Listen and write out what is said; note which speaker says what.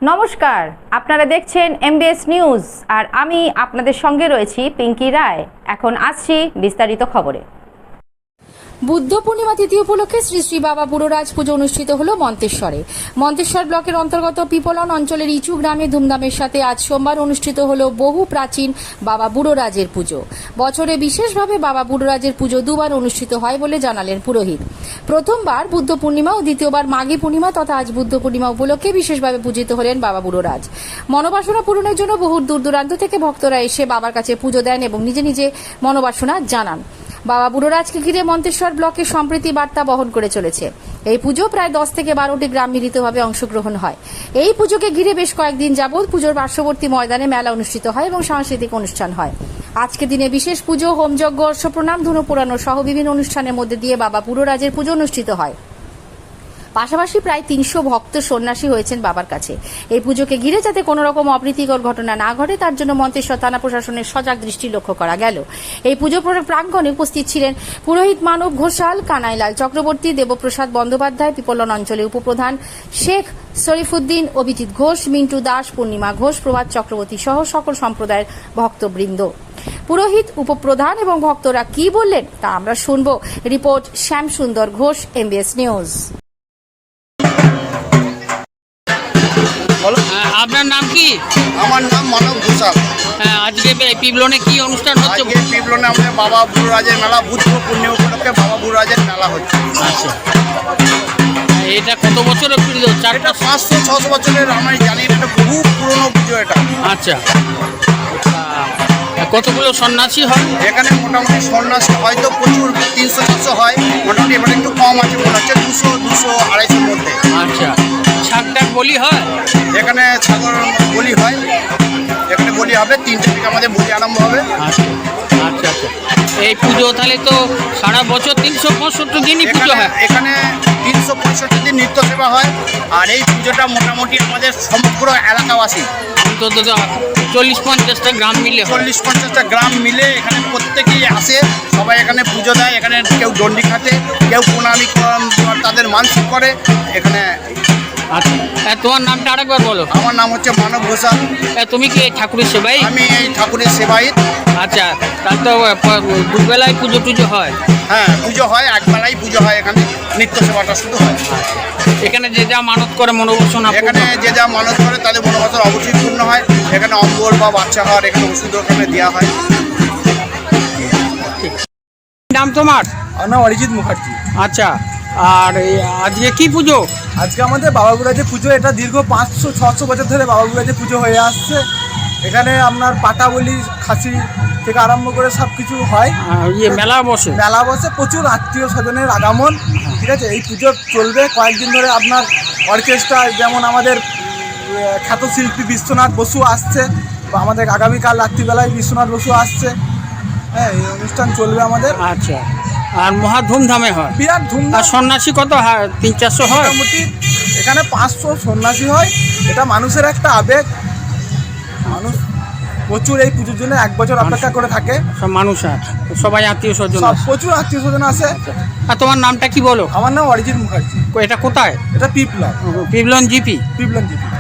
Speaker 1: নমস্কার, আপনারা দেখছেন এমবিএস নিউজ আর আমি আপনাদের সঙ্গে রয়েছি পিঙ্কি রায়। এখন আসছি বিস্তারিত খবরে।
Speaker 2: বুদ্ধ পূর্ণিমা তিথি উপলক্ষে শ্রী শ্রী বাবা বুড়োরাজ পুজো অনুষ্ঠিত হল মন্তেশ্বরে। মন্তেশ্বর ব্লকের অন্তর্গত পিপলন অঞ্চলের ইচু গ্রামে ধুমধামের সাথে আজ সোমবার অনুষ্ঠিত হল বহু প্রাচীন বাবা বুড়োরাজের পুজো। বছরে বিশেষভাবে বাবা বুড়োরাজের পুজো দুবার অনুষ্ঠিত হয় বলে জানালেন পুরোহিত। প্রথমবার বুদ্ধ পূর্ণিমা ও দ্বিতীয়বার মাঘী পূর্ণিমা তথা আজ বুদ্ধ পূর্ণিমা উপলক্ষে বিশেষভাবে পূজিত হলেন বাবা বুড়োরাজ। মনোবাসনা পূরণের জন্য বহু দূর দূরান্ত থেকে ভক্তরা এসে বাবার কাছে পুজো দেন এবং নিজে নিজে মনোবাসনা জানান। বাবা বুড়োরাজকে ঘিরে মন্তেশ্বর ব্লকে সম্প্রীতি বার্তা বহন করে চলেছে। এই পুজো প্রায় 10 থেকে 12টি গ্রাম মিলিতভাবে অংশগ্রহণ হয়। এই পুজোকে ঘিরে বেশ কয়েকদিন যাবৎ পুজোর পার্শ্ববর্তী ময়দানে মেলা অনুষ্ঠিত হয় এবং সাংস্কৃতিক অনুষ্ঠান হয়। আজকে দিনে বিশেষ পুজো, হোমযজ্ঞ, অশ্বপ্রণাম, ধনু পোড়ানো সহ বিভিন্ন অনুষ্ঠানের মধ্যে দিয়ে বাবা বুড়োরাজের পুজো অনুষ্ঠিত হয়। পাশাপাশি প্রায় 300 ভক্ত সন্ন্যাসী হয়েছেন বাবার কাছে। এই পুজোকে ঘিরে যাতে কোনো রকম অপ্রীতিকর ঘটনা না ঘটে তার জন্য মন্তেশ্বর থানা প্রশাসনের সজাগ দৃষ্টি লক্ষ্য করা গেল। এই পুজো প্রাঙ্গণে উপস্থিত ছিলেন পুরোহিত মানব ঘোষাল, কানাইলাল চক্রবর্তী, দেবপ্রসাদ বন্দ্যোপাধ্যায়, পিপলন অঞ্চলের উপপ্রধান শেখ শরীফুদ্দিন, অভিজিৎ ঘোষ, মিন্টু দাস, পূর্ণিমা ঘোষ, প্রভাত চক্রবর্তী সহ সকল সম্প্রদায়ের ভক্তবৃন্দ। পুরোহিত, উপপ্রধান এবং ভক্তরা কি বললেন তা আমরা শুনব। রিপোর্ট শ্যাম সুন্দর ঘোষ, এমবিএস নিউজ।
Speaker 3: আপনার নাম কি?
Speaker 4: আমার নাম মানব ঘোষাল।
Speaker 3: আজকে পিপলনে কি অনুষ্ঠান হচ্ছে?
Speaker 4: আজকে পিপলনে আমাদের বাবা বুড়োরাজের মেলা, বুদ্ধ পূর্ণিমা উপলক্ষে বাবা বুড়োরাজের মেলা হচ্ছে।
Speaker 3: আচ্ছা, এটা কত বছরের পুজো?
Speaker 4: এটা 500-600 বছরের, আমি জানি এটা বহু পুরনো পুজো এটা।
Speaker 3: আচ্ছা, কতগুলো সন্ন্যাসী হয়
Speaker 4: এখানে? মোটামুটি সন্ন্যাসী হয়তো প্রচুর, 300-400 হয় মোটামুটি। এবার একটু কম আছে মনে হচ্ছে, 200-250-250 মধ্যে।
Speaker 3: আচ্ছা, ছাগটাক বলি হয়
Speaker 4: এখানে? ছাগল বলি হয়, এখানে বলি হবে 3টে থেকে আমাদের বলি আরম্ভ হবে।
Speaker 3: আচ্ছা আচ্ছা আচ্ছা। এই পুজো তাহলে তো সারা বছর 365 দিনই পুজো হয়?
Speaker 4: এখানে 365 দিন নিত্য সেবা হয়। আর এই পুজোটা মোটামুটি আমাদের সমগ্র এলাকাবাসী,
Speaker 3: অন্তত 40-50টা গ্রাম মিলে
Speaker 4: 40-50টা গ্রাম মিলে এখানে প্রত্যেকেই আসে। সবাই এখানে পুজো দেয়। এখানে কেউ দণ্ডি খাটে, কেউ প্রণামী তাদের মানসিক করে এখানে।
Speaker 3: আচ্ছা, তোমার নামটা আরেকবার বলো।
Speaker 4: আমার নাম হচ্ছে মানব ঘোষাল।
Speaker 3: তুমি কি এই ঠাকুরের সেবাই?
Speaker 4: আমি এই ঠাকুরের সেবায়িত।
Speaker 3: আচ্ছা, তাহলে তো দুবেলায় পুজো টুজো হয়?
Speaker 4: হ্যাঁ, পুজো হয়, একবেলাই পুজো হয়। এখানে নিত্য সেবাটা শুধু হয়।
Speaker 3: এখানে যে যা মানত করে মনোবাসনা,
Speaker 4: এখানে যে যা মানত করে তাদের মনোবাসনা অবশ্যই পূর্ণ হয়। এখানে অম্বল বা বাচ্চা হওয়ার এখানে ওষুধ ওখানে দেওয়া হয়।
Speaker 3: নাম তোমার?
Speaker 5: আমার নাম অরিজিৎ মুখার্জি।
Speaker 3: আচ্ছা, আর আজকে কি পুজো?
Speaker 5: আজকে আমাদের বাবা বুড়াজের পুজো। এটা দীর্ঘ 500-600 বছর ধরে বাবা বুড়াজের পুজো হয়ে আসছে। এখানে আপনার পাটা বলি, খাসি থেকে আরম্ভ করে সব কিছু হয়।
Speaker 3: মেলা বসে?
Speaker 5: মেলা বসে, প্রচুর আত্মীয় স্বজনের আগমন। ঠিক আছে, এই পুজো চলবে কয়েকদিন ধরে। আপনার অর্কেস্ট্রা, যেমন আমাদের খ্যাত শিল্পী বিশ্বনাথ বসু আসছে, আমাদের আগামীকাল রাত্রিবেলায় বিশ্বনাথ বসু আসছে। হ্যাঁ, এই অনুষ্ঠান চলবে আমাদের।
Speaker 3: আচ্ছা, আর মহা ধুমধামে হয়?
Speaker 5: বিরাট ধুমধাম।
Speaker 3: আর সন্ন্যাসী কত হয়? 300-400 হয়
Speaker 5: মোটামুটি। এখানে 500 সন্ন্যাসী হয়। এটা মানুষের একটা আবেগ। মানুষ প্রচুর এই পুজোর জন্য 1 বছর অপেক্ষা করে থাকে।
Speaker 3: সব মানুষ আছে, সবাই আত্মীয় স্বজন?
Speaker 5: সব প্রচুর আত্মীয় স্বজন আসে।
Speaker 3: আর তোমার নামটা কি বলো?
Speaker 5: আমার নাম অরিজিৎ মুখার্জি।
Speaker 3: এটা কোথায়?
Speaker 5: এটা পিপলন
Speaker 3: জিপি?
Speaker 5: পিপলন জিপি।